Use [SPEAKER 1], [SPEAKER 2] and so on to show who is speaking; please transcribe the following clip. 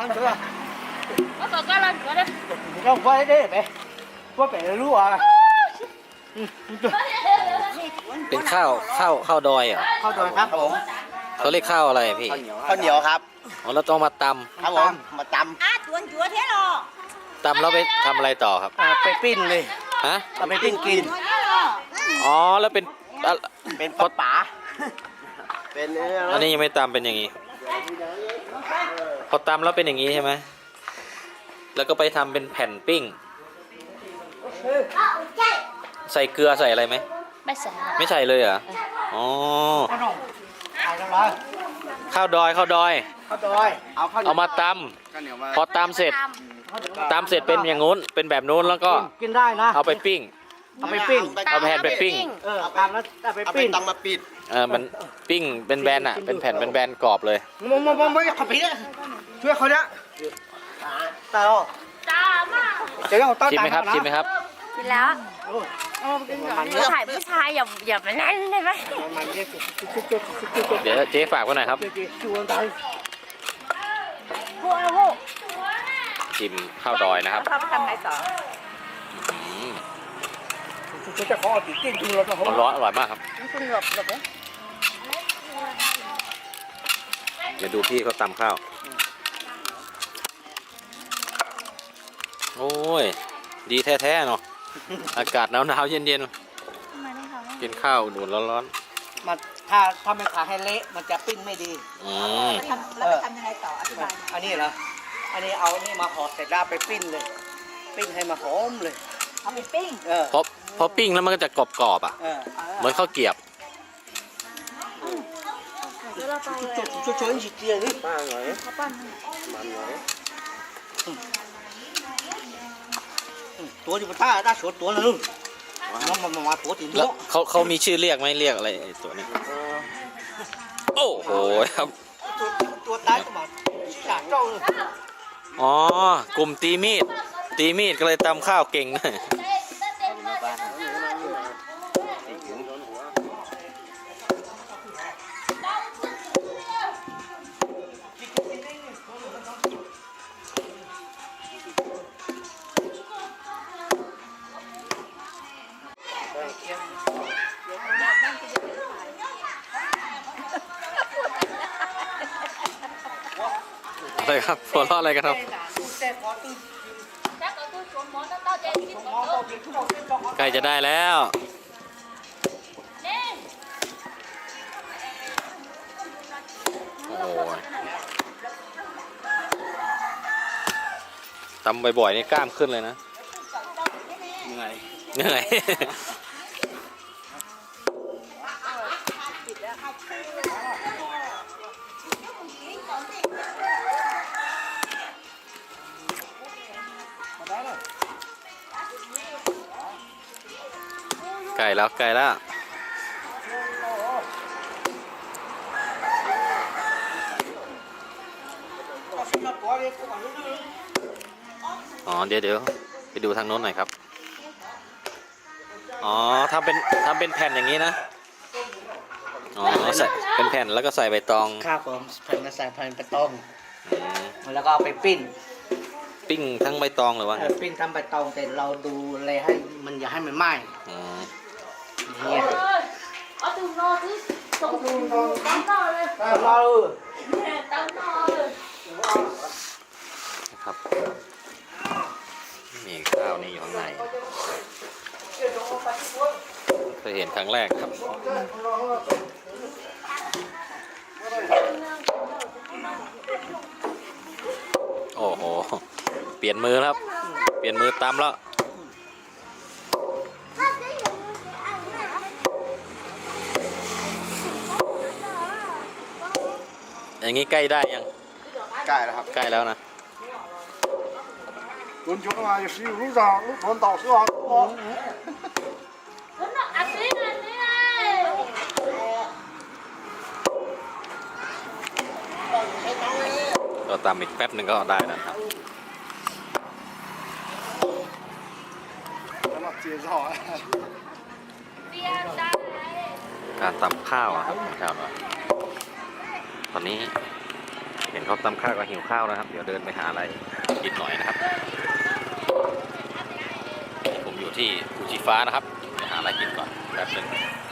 [SPEAKER 1] ăn chưa
[SPEAKER 2] có còn cái lên cửa đấy
[SPEAKER 1] không quay đấy bé có vẻ lúa à
[SPEAKER 3] เป็นข้าวดอยเหรอ
[SPEAKER 1] เข้าดอยครับผม
[SPEAKER 3] เขาเรียกข้าวอะไรพี่
[SPEAKER 1] ข้าวเหนียวครับ
[SPEAKER 3] อ๋อเราต้องมาต
[SPEAKER 1] ครับผมมาต
[SPEAKER 2] chuồn chúa thế rồi
[SPEAKER 3] ำตำแล้วไปทำอะไรต่อครับ
[SPEAKER 1] ำไปปิ้งเลย
[SPEAKER 3] ฮะ
[SPEAKER 1] เอาไปปิ้งกิน
[SPEAKER 3] อ๋อแล้วเป็นอ่ะ
[SPEAKER 1] เป็นปลาป๋าเป็น
[SPEAKER 3] อันนี้ยังไม่ตำเป็นอย่างนี้พอตำแล้วเป็นอย่างนี้ใช่ไหมแล้วก็ไปทำเป็นแผ่นปิ้ง ใส่เกลือใส่อะไรไหม
[SPEAKER 2] ไม่ใส่
[SPEAKER 3] ไม่ใส่เลยเหรออ๋อ
[SPEAKER 1] ขนมขายกันเลย
[SPEAKER 3] ข้าวดอย
[SPEAKER 1] ข้าวดอยเอาข้าว
[SPEAKER 3] เอามาต
[SPEAKER 1] ข้าวเหนียวมา
[SPEAKER 3] ำพอตำเสร็จตำเสร็จเป็นอย่างงู้นเป็นแบบนู้นแล้วก็
[SPEAKER 1] กินได้นะ
[SPEAKER 3] เอาไปปิ้ง
[SPEAKER 1] เอาไปปิ้ง
[SPEAKER 3] เอาแผ่นไปปิ้ง
[SPEAKER 1] เอาตามแล้วเอาไปปิ้งต้องมาปิด
[SPEAKER 3] มันปิ้งเป็นแบนอ่ะเป็นแผ่นเป็นแบนกรอบเลย
[SPEAKER 1] มองไม่ขับผีช่วยเขาเนี่ยตา
[SPEAKER 2] จ้ามาก
[SPEAKER 1] เดี๋ยวเอาต้น
[SPEAKER 3] ชิมไหมครับชิมไหมครับ
[SPEAKER 2] กินแล้วถ่ายผู้ชายอย่ามานั่นได้ไหม
[SPEAKER 3] เดี๋ยวเจ๊ฝากไว้หน่อยครับ
[SPEAKER 2] พูดพูด
[SPEAKER 3] ชิมข้าวดอยนะครับ
[SPEAKER 2] เขาไปทำอะไรต่อ
[SPEAKER 1] จะขอติดกินดูแล้วก็
[SPEAKER 3] ร้อนอร่อยมากครับ
[SPEAKER 2] คุณหลบเลย
[SPEAKER 3] เดี๋ยวดูพี่เขาตำข้าวโอ้ยดีแท้ๆเนาะอากาศหนาวๆเย็นๆกินข้าวอุ่นๆร้อน
[SPEAKER 1] มันถ้าไม่ขาให้เละมันจะปิ้งไม่ดี
[SPEAKER 3] ๆ
[SPEAKER 2] แล้วไปทำยังไงต่ออธิบาย
[SPEAKER 1] อันนี้เหรออันนี้เอานี่มาห่อเสร็จแล้วไปปิ้งเลย ปิ้งให้มาหอมเลย
[SPEAKER 2] เอาไปปิ้ง
[SPEAKER 3] พอปิ้งแล้วมันก็จะกรอบๆอ่ะเหมือนข้าวเกรี๊ยบ
[SPEAKER 1] ช่วยๆเจียนี่ป้าหน่อยตัวที่มันได้สดตัวนึงมาตัวตีน
[SPEAKER 3] แล้วเขามีชื่อเรียกไหมเรียกอะไรไอ้ตัวนี้โอ้โหครับ
[SPEAKER 1] ตัวตายก็มาจากเจ้าเลย
[SPEAKER 3] อ๋อกลุ่มตีมีดก็เลยตำข้าวเก่งหน่อยอะไรครับหัวเราะอะไรกันครับใกล้จะได้แล้วโอ้ยตำบ่อยๆนี่กล้ามขึ้นเลยนะเหนื่อยใกล้แล้วอ๋อเดี๋ยวไปดูทางโน้นหน่อยครับอ๋อทำเป็นแผ่นอย่างนี้นะอ๋อใส่เป็นแผ่นแล้วก็ใส่ใบตอง
[SPEAKER 1] ครับผมแผ่นใส่แผ่นไปต้มแล้วก็เอาไปปิ้ง
[SPEAKER 3] ปิ้งทั้งใบตองหรือว่า
[SPEAKER 1] ปิ้งทำใบตองแต่เราดูแลให้มันอย่าให้มันไหม้เนี่ย
[SPEAKER 2] ở từ nọ chứ từ tắm nọเลย
[SPEAKER 1] รอ
[SPEAKER 2] tắm nọเลย
[SPEAKER 3] ครับมีข้าวนี่อยู่ข้างในเคยเห็นครั้งแรกครับโอ้โหเปลี่ยนมือครับเปลี่ยนมือตำแล้วอย่างนี้ใกล้ได้ยัง
[SPEAKER 1] ใกล้แล้วครับ
[SPEAKER 3] ใกล้แล้วนะ
[SPEAKER 1] 轮球嘛，也是有路上路传导是吧？
[SPEAKER 2] ăn đi ăn đi này
[SPEAKER 3] ก็ตำอีกแป๊บหนึ่งก็ได้แล้วครับการตำข้าวครับตอนนี้ห็นเขาตำข้าวก็หิวข้าวนะครับ เดี๋ยวเดินไปหาอะไรกินหน่อยนะครับ ผมอยู่ที่ภูชีฟ้านะครับไปหาอะไรกินก่อนแป๊บนึง